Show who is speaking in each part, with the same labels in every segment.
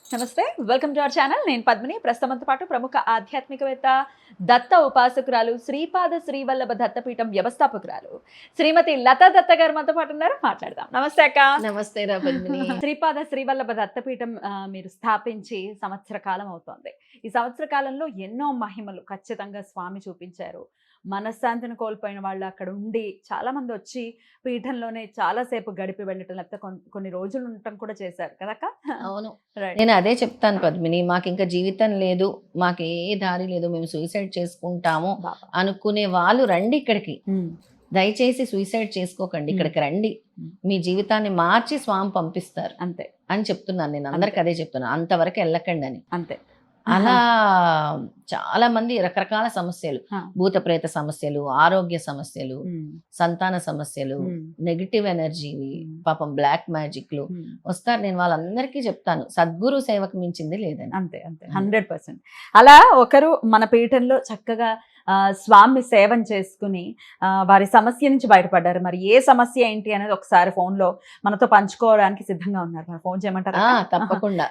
Speaker 1: నమస్తే, welcome to our channel. నేను పద్మిని. ప్రస్తుతంతో పాటు ప్రముఖ ఆధ్యాత్మికవేత్త, దత్త ఉపాసకురాలు, శ్రీపాద శ్రీవల్లభ దత్తపీఠం వ్యవస్థాపకురాలు శ్రీమతి లతా దత్త గారు మనతో పాటు ఉన్నారు. మాట్లాడదాం. నమస్తే అక్క.
Speaker 2: నమస్తే రా పద్మిని.
Speaker 1: శ్రీపాద శ్రీవల్లభ దత్తపీఠం మీరు స్థాపించి సంవత్సర కాలం అవుతోంది. ఈ సంవత్సర కాలంలో ఎన్నో మహిమలు ఖచ్చితంగా స్వామి చూపించారు. మనశ్శాంతిని కోల్పోయిన వాళ్ళు అక్కడ ఉండి చాలా మంది వచ్చి పీఠంలోనే చాలాసేపు గడిపి వెళ్ళటం, లేకపోతే కొన్ని రోజులు ఉండటం కూడా చేశారు కదక్క.
Speaker 2: అవును, నేను అదే చెప్తాను పద్మిని. మాకు ఇంకా జీవితం లేదు, మాకు ఏ దారి లేదు, మేము సూసైడ్ చేసుకుంటాము అనుకునే వాళ్ళు రండి ఇక్కడికి. దయచేసి సూసైడ్ చేసుకోకండి, ఇక్కడికి రండి. మీ జీవితాన్ని మార్చి స్వామి పంపిస్తారు
Speaker 1: అంతే
Speaker 2: అని చెప్తున్నాను. నేను అందరికి అదే చెప్తున్నాను, అంతవరకు వెళ్ళకండి అని.
Speaker 1: అంతే.
Speaker 2: అలా చాలా మంది రకరకాల సమస్యలు, భూత ప్రేత సమస్యలు, ఆరోగ్య సమస్యలు, సంతాన సమస్యలు, నెగిటివ్ ఎనర్జీ, పాపం బ్లాక్ మ్యాజిక్లు వస్తారు. నేను వాళ్ళందరికీ చెప్తాను, సద్గురు సేవకు మించింది లేదని.
Speaker 1: అంతే అంతే 100%. అలా ఒకరు మన పీఠంలో చక్కగా స్వామి సేవను చేసుకుని వారి సమస్య నుంచి బయటపడ్డారు. మరి ఏ సమస్య ఏంటి అనేది ఒకసారి ఫోన్ లో మనతో పంచుకోవడానికి సిద్ధంగా ఉన్నారు. మరి ఫోన్ చేయమంటారా?
Speaker 2: తప్పకుండా.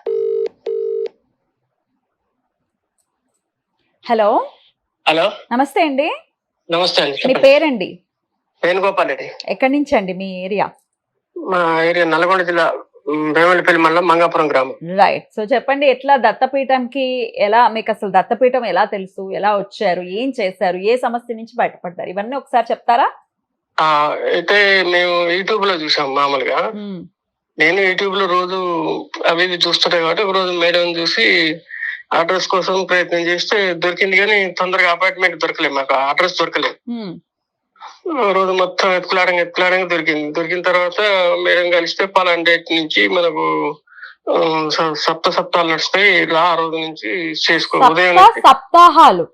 Speaker 1: హలో.
Speaker 3: హలో,
Speaker 1: నమస్తే అండి.
Speaker 3: నమస్తే అండి.
Speaker 1: మీ పేరండి?
Speaker 3: వేణుగోపాల్ రెడ్డి.
Speaker 1: ఎక్కడి నుంచి అండి మీ ఏరియా?
Speaker 3: మా ఏరియా నల్గొండ జిల్లా, వేమలపల్లి మండలం, మంగాపురం గ్రామం.
Speaker 1: రైట్. సో చెప్పండి, ఎట్లా దత్తపీఠంకి ఎలా, మీకు అసలు దత్తపీఠం ఎలా తెలుసు, ఎలా వచ్చారు, ఏం చేశారు, ఏ సమస్య నుంచి బయటపడ్డారు, ఇవన్నీ ఒకసారి చెప్తారా?
Speaker 3: అయితే మేము యూట్యూబ్ లో చూసాం మామూలుగా. నేను యూట్యూబ్ లో రోజు అవి చూస్తుంటాయి కాబట్టి ఒక రోజు మేడం చూసి అడ్రస్ కోసం ప్రయత్నం చేస్తే దొరికింది, కానీ తొందరగా అపాయింట్మెంట్ దొరకలేదు, మాకు అడ్రస్ దొరకలేదు. రోజు మొత్తం ఎత్తులాడంగా దొరికిన తర్వాత మేడం కలిస్తే పలానా డేట్ నుంచి మనకు సప్తాహాలు నడుస్తాయి, ఇలా ఆ రోజు నుంచి చేసుకో. ఉదయం
Speaker 1: సప్తాహాలు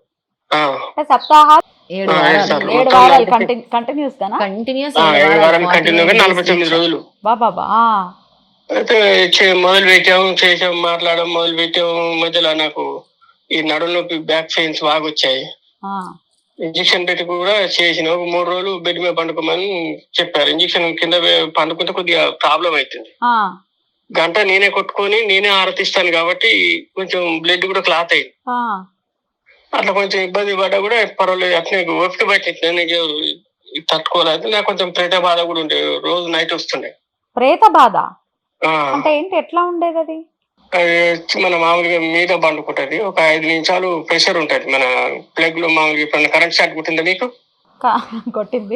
Speaker 3: 49 రోజులు అయితే చేసాం, మాట్లాడడం మొదలు పెట్టాము. మధ్యలో నాకు ఈ నడుము నొప్పి, బ్యాక్ పెయిన్స్ బాగా వచ్చాయి. ఇంజక్షన్ పెట్టి కూడా చేసిన. ఒక 3 రోజులు బెడ్ మీద పండుకోమని చెప్పారు. ఇంజక్షన్ కింద పండుకుంటే కొద్దిగా ప్రాబ్లం అవుతుంది. గంట నేనే కొట్టుకొని నేనే ఆరతిస్తాను కాబట్టి కొంచెం బ్లడ్ కూడా క్లాత్ అయింది. అట్లా కొంచెం ఇబ్బంది పడ్డా కూడా పర్వాలేదు, అట్లనే ఓపిక పట్టింది. తట్టుకోలేదు. నాకు కొంచెం ప్రేత బాధ కూడా ఉండే, రోజు నైట్ వస్తుండే.
Speaker 1: ప్రేత బాధ అంటే ఏంటి, ఎట్లా ఉండేది అది?
Speaker 3: మన మామూలుగా మీద పండుకుంటది. ఒక 5 నిమిషాలు ప్రెషర్ ఉంటది మన ప్లగ్ లో. మామూలుగా ఇప్పుడు కరెంట్ షాక్ కొట్టిందా మీకు?
Speaker 1: కొట్టింది.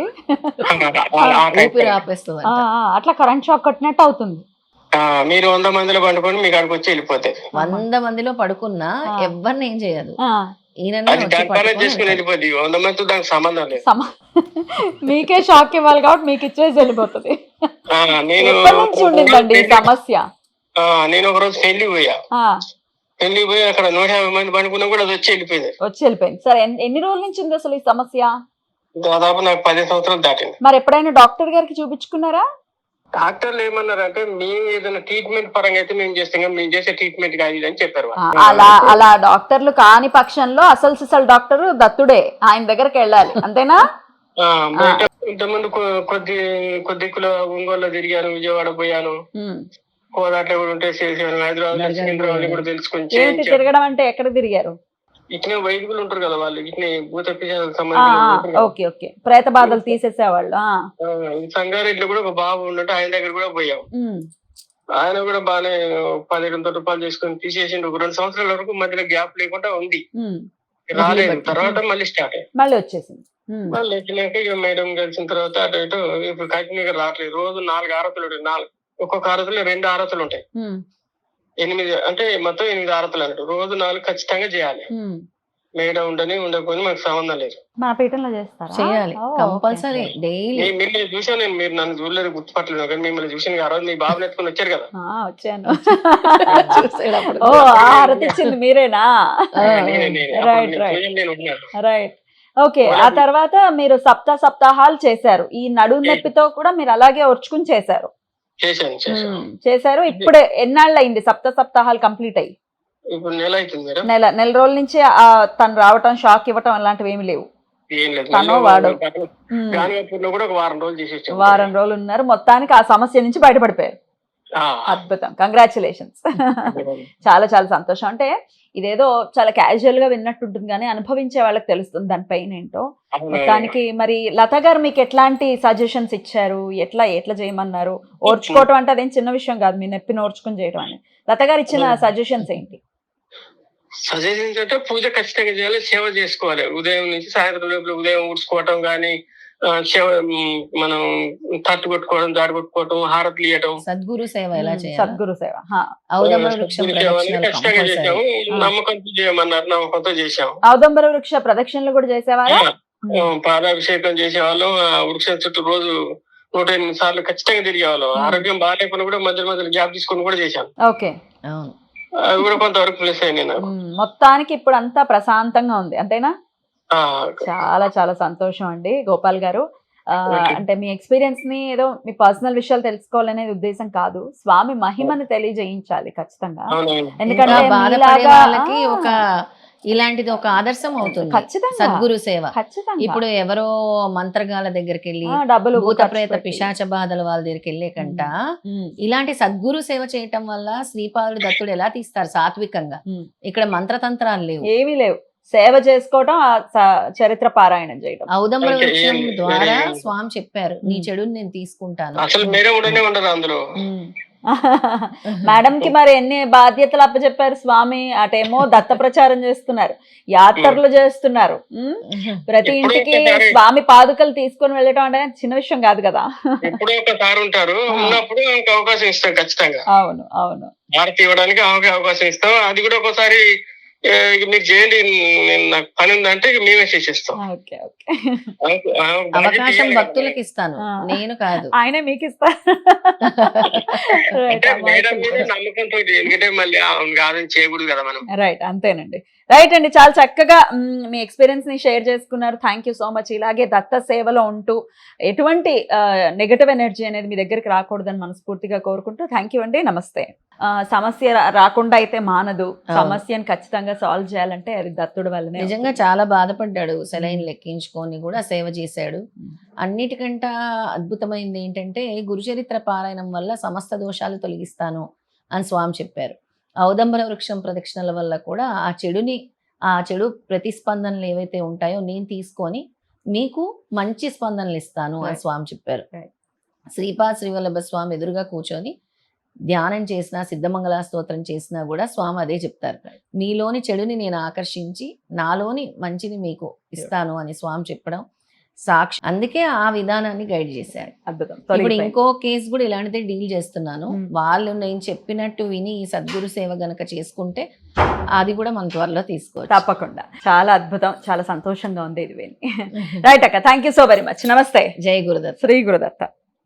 Speaker 1: అట్లా కరెంట్ షాక్ కొట్టినట్టు అవుతుంది.
Speaker 3: మీరు 100 మందిలో పండుకొని మీకు అక్కడికి వచ్చి వెళ్ళిపోతాయి.
Speaker 2: 100 మందిలో పడుకున్నా ఎవరిని ఏం చేయదు,
Speaker 3: చేసుకుని వెళ్ళిపోద్ది. 100 మందితో దానికి సంబంధం లేదు.
Speaker 1: మీకే షాక్ ఇవ్వాలి కాబట్టి మీకు ఇచ్చేసి వెళ్ళిపోతుంది. సమస్య.
Speaker 3: నేను ఒక రోజు పెళ్లి పోయి అక్కడ 150 మంది పండుకున్నా కూడా అది వచ్చి వెళ్ళిపోయింది.
Speaker 1: సరే, ఎన్ని రోజుల నుంచి ఉంది అసలు ఈ సమస్య?
Speaker 3: దాదాపు నాకు 10 సంవత్సరాలు దాటింది.
Speaker 1: మరి ఎప్పుడైనా డాక్టర్ గారికి చూపించుకున్నారా?
Speaker 3: డాక్టర్లు ఏమన్నారంటే, మేము ఏదైనా ట్రీట్మెంట్ పరంగా అయితే మేము చేస్తాం, మేము చేసే ట్రీట్మెంట్ కాదు అని చెప్పారు.
Speaker 1: అలా డాక్టర్లు కాని పక్షంలో అసలు డాక్టర్ దత్తుడే, ఆయన దగ్గరికి వెళ్ళాలి, అంతేనా?
Speaker 3: ఇంతకుముందు కొద్ది ఒంగోలు తిరిగాను, విజయవాడ పోయాను, కోదాట్లో కూడా ఉంటే చేసాను, హైదరాబాద్ కూడా తెలుసుకొని.
Speaker 1: తిరగడం అంటే ఎక్కడ తిరిగారు?
Speaker 3: ఇట్నే వైదికులు ఉంటారు కదా, వాళ్ళు ఇట్నే భూత
Speaker 1: ఓకే, ప్రేత బాధలు తీసేసేవాళ్ళు.
Speaker 3: సంగారెడ్డిలో కూడా ఒక బాబు ఉన్నట్టు, ఆయన దగ్గర కూడా పోయాం. ఆయన కూడా బాగానే 1200 రూపాయలు చేసుకుని తీసేసిండు. ఒక 2 సంవత్సరాల వరకు మధ్యలో గ్యాప్ లేకుండా ఉంది, రాలేదు. తర్వాత మళ్ళీ స్టార్ట్ అయ్యింది,
Speaker 1: మళ్ళీ వచ్చేసింది.
Speaker 3: మళ్ళీ ఎక్కినాక ఇక మేడం కలిసిన తర్వాత అటు ఇటు ఇప్పుడు కంటిన్యూగా రావట్లేదు. రోజు 4 ఆరతులు ఉంటాయి. ఒక్కొక్క ఆరతులు 2 ఆరతులు ఉంటాయి. 8 అంటే మొత్తం 8 ఆరతులు అన్నట్టు. రోజు 4 ఖచ్చితంగా చేయాలి. మేడం ఉండకపోతే మాకు సంబంధం లేదు.
Speaker 1: మా పీఠంలో చేయాలి
Speaker 2: కంపల్సరీ డైలీ.
Speaker 3: మిమ్మల్ని చూసాను నేను, మీరు నన్ను చూడలేదు, గుర్తుపట్టలేదు, కానీ మిమ్మల్ని చూసాను. ఆ రోజు మీ బాబు నెట్టుకుని వచ్చారు కదా.
Speaker 1: వచ్చాను. మీరేనా? రైట్. ఓకే. ఆ తర్వాత మీరు సప్తాహాలు చేశారు. ఈ నడుము నొప్పితో కూడా మీరు అలాగే ఓర్చుకుని చేశారు. ఇప్పుడు ఎన్నాళ్ళు అయింది సప్తాహాలు కంప్లీట్ అయ్యి?
Speaker 3: ఇప్పుడు
Speaker 1: నెల రోజుల నుంచి తను రావటం, షాక్ ఇవ్వటం అలాంటివి ఏమి లేవు. తను వాడు
Speaker 3: కూడా ఒక వారం రోజులు
Speaker 1: వారం రోజులు ఉన్నారు. మొత్తానికి ఆ సమస్య నుంచి బయటపడిపోయారు. అద్భుతం, కంగ్రాచులేషన్స్. చాలా చాలా సంతోషం. అంటే ఇదేదో చాలా క్యాజువల్ గా విన్నట్టుంటుంది కానీ అనుభవించే వాళ్ళకి తెలుస్తుంది దాని పెయిన్ ఏంటో. మొత్తానికి మరి లత గారు మీకు ఎట్లాంటి సజెషన్స్ ఇచ్చారు, ఎట్లా చేయమన్నారు? ఓర్చుకోవటం అంటే అదేం చిన్న విషయం కాదు, మీ నొప్పిని ఓర్చుకుని చేయడం అని. లత గారు ఇచ్చిన సజెషన్స్ ఏంటి?
Speaker 3: సజెషన్స్ అంటే పూజ ఖచ్చితంగా చేయాలి, సేవ చేసుకోవాలి. ఉదయం నుంచి సాయంత్రం లోపల ఉదయం ఊడ్చుకోవటం కానీ, సేవ మనం తట్టు కొట్టుకోవడం, దాడి కొట్టుకోవటం, హారతులు ఇవ్వటం,
Speaker 2: సద్గురు సేవ ఎలా చేయాలి?
Speaker 1: సద్గురు సేవ
Speaker 2: ఔదంబర వృక్షం ప్రదక్షిణలు
Speaker 3: ఖచ్చితంగా
Speaker 2: కంపల్సరీ.
Speaker 3: చేసాము. నమ్మకంతో చేయమన్నారు, నమ్మకంతో చేసాము.
Speaker 1: ఔదంబర వృక్ష ప్రదక్షిణలు కూడా చేసేవారా?
Speaker 3: పాలాభిషేకం చేసేవాళ్ళం. ఆ వృక్షం చుట్టూ రోజు 108 సార్లు ఖచ్చితంగా తిరిగేవాళ్ళం. ఆరోగ్యం బాగాలేకుండా కూడా మధ్య మధ్యలో గ్యాప్ తీసుకొని కూడా చేశాను.
Speaker 1: ఓకే,
Speaker 2: అవును.
Speaker 3: అవి కూడా కొంతవరకు ప్లస్ అయినాయి నాకు.
Speaker 1: మొత్తానికి ఇప్పుడు అంతా ప్రశాంతంగా ఉంది అంతేనా?
Speaker 3: ఆ,
Speaker 1: చాలా చాలా సంతోషం అండి గోపాల్ గారు. అంటే మీ ఎక్స్పీరియన్స్ ని ఏదో మీ పర్సనల్ విషయాలు తెలుసుకోవాలనేది ఉద్దేశం కాదు, స్వామి మహిమని తెలియజేయించాలి ఖచ్చితంగా.
Speaker 3: అవునవును.
Speaker 1: ఎందుకంటే
Speaker 2: ఇంకా బాధపడే
Speaker 1: మీలాగా-
Speaker 2: వాళ్ళకి ఒక ఇలాంటిది ఒక ఆదర్శం అవుతుంది
Speaker 1: ఖచ్చితంగా
Speaker 2: సద్గురు సేవ.
Speaker 1: ఖచ్చితంగా
Speaker 2: ఇప్పుడు ఎవరో మంత్రగాల దగ్గరికి వెళ్ళి
Speaker 1: డబ్బులు
Speaker 2: భూత
Speaker 1: ఖర్చు
Speaker 2: ప్రేత
Speaker 1: పెట్టి.
Speaker 2: పిశాచ బాధల వాళ్ళ దగ్గరికి వెళ్ళే కంట
Speaker 1: ఉమ్,
Speaker 2: ఇలాంటి సద్గురు సేవ చేయటం వల్ల శ్రీపాదుడు దత్తుడు ఎలా తీస్తారు సాత్వికంగా.
Speaker 1: ఉమ్.
Speaker 2: ఇక్కడ మంత్రతంత్రాలు లేవు.
Speaker 1: ఏమీ లేవు, సేవ చేసుకోవటం, ఆ చరిత్ర పారాయణం చేయడం.
Speaker 2: ఔదంబర
Speaker 3: అంటే
Speaker 2: వృక్షం
Speaker 3: ఏం-
Speaker 2: ద్వారా
Speaker 3: వేరే-
Speaker 2: స్వామి చెప్పారు, నీ చెడుని నేను తీసుకుంటాను.
Speaker 3: అసలు మీరే ఉండనే ఉండరు అందులో.
Speaker 1: మేడం కి మరి ఎన్ని బాధ్యతలు అప్పచెప్పారు స్వామి? అటేమో దత్త ప్రచారం చేస్తున్నారు, యాత్రలు చేస్తున్నారు, ప్రతి
Speaker 3: ఎప్పుడో
Speaker 1: ఇంటికి
Speaker 3: ఒకసారి-
Speaker 1: స్వామి పాదుకలు తీసుకొని వెళ్ళటం అంటే చిన్న విషయం కాదు కదా.
Speaker 3: ఎప్పుడో ఒకసారి ఉంటారు, ఉన్నప్పుడు ఇంక అవకాశం ఇస్తాం ఖచ్చితంగా.
Speaker 1: అవును అవును.
Speaker 3: భారత్ ఇవ్వడానికి అవకాశం ఇస్తాం. అది కూడా ఒకసారి మీరు చేయండి, నేను నాకు పని ఉందంటే ఇక మేమే చేసేస్తాం.
Speaker 1: Okay okay.
Speaker 2: అవకాశం భక్తులకు ఇస్తాను,
Speaker 1: ఆ.
Speaker 2: నేను కాదు.
Speaker 1: ఆయనే మీకు ఇస్తారు.
Speaker 3: అంటే మేడం మీద నమ్మకంతో, ఎందుకంటే మళ్ళీ కాదని చేయకూడదు కదా మనం.
Speaker 1: రైట్, అంతేనండి. రైట్ అండి, చాలా చక్కగా మీ ఎక్స్పీరియన్స్ ని షేర్ చేసుకున్నారు. Thank you so much. ఇలాగే దత్త సేవలో ఉంటూ ఎటువంటి నెగటివ్ ఎనర్జీ అనేది మీ దగ్గరికి రాకూడదని మనస్ఫూర్తిగా కోరుకుంటూ థ్యాంక్ యూ అండి, నమస్తే. సమస్య రాకుండా అయితే మానదు, సమస్యను ఖచ్చితంగా సాల్వ్ చేయాలంటే అది దత్తుడు వల్లనే.
Speaker 2: నిజంగా చాలా బాధపడ్డాడు, సెలైన్ లెక్కించుకొని కూడా సేవ చేశాడు. అన్నిటికంటే అద్భుతమైంది ఏంటంటే గురుచరిత్ర పారాయణం వల్ల సమస్త దోషాలు తొలగిస్తాను అని స్వామి చెప్పారు. ఔదంబర వృక్షం ప్రదక్షిణల వల్ల కూడా ఆ చెడు ప్రతిస్పందనలు ఏవైతే ఉంటాయో నేను తీసుకొని మీకు మంచి స్పందనలు ఇస్తాను అని స్వామి చెప్పారు. శ్రీపాద శ్రీవల్లభ స్వామి ఎదురుగా కూర్చొని ధ్యానం చేసినా, సిద్ధమంగళ స్తోత్రం చేసినా కూడా స్వామి అదే చెప్తారు, మీలోని చెడుని నేను ఆకర్షించి నాలోని మంచిని మీకు ఇస్తాను అని స్వామి చెప్పడం సాక్షి. అందుకే ఆ విధానాన్ని గైడ్ చేశారు.
Speaker 1: అద్భుతం.
Speaker 2: ఇప్పుడు ఇంకో కేసు కూడా ఇలాంటిదే డీల్ చేస్తున్నాను. వాళ్ళు నేను చెప్పినట్టు విని ఈ సద్గురు సేవ గనక చేసుకుంటే అది కూడా మన త్వరలో తీసుకోవచ్చు.
Speaker 1: తప్పకుండా. చాలా అద్భుతం, చాలా సంతోషంగా ఉంది ఇది విని. రైట్ అక్క, thank you so very much. నమస్తే.
Speaker 2: జై గురుదత్త.
Speaker 1: శ్రీ గురుదత్త.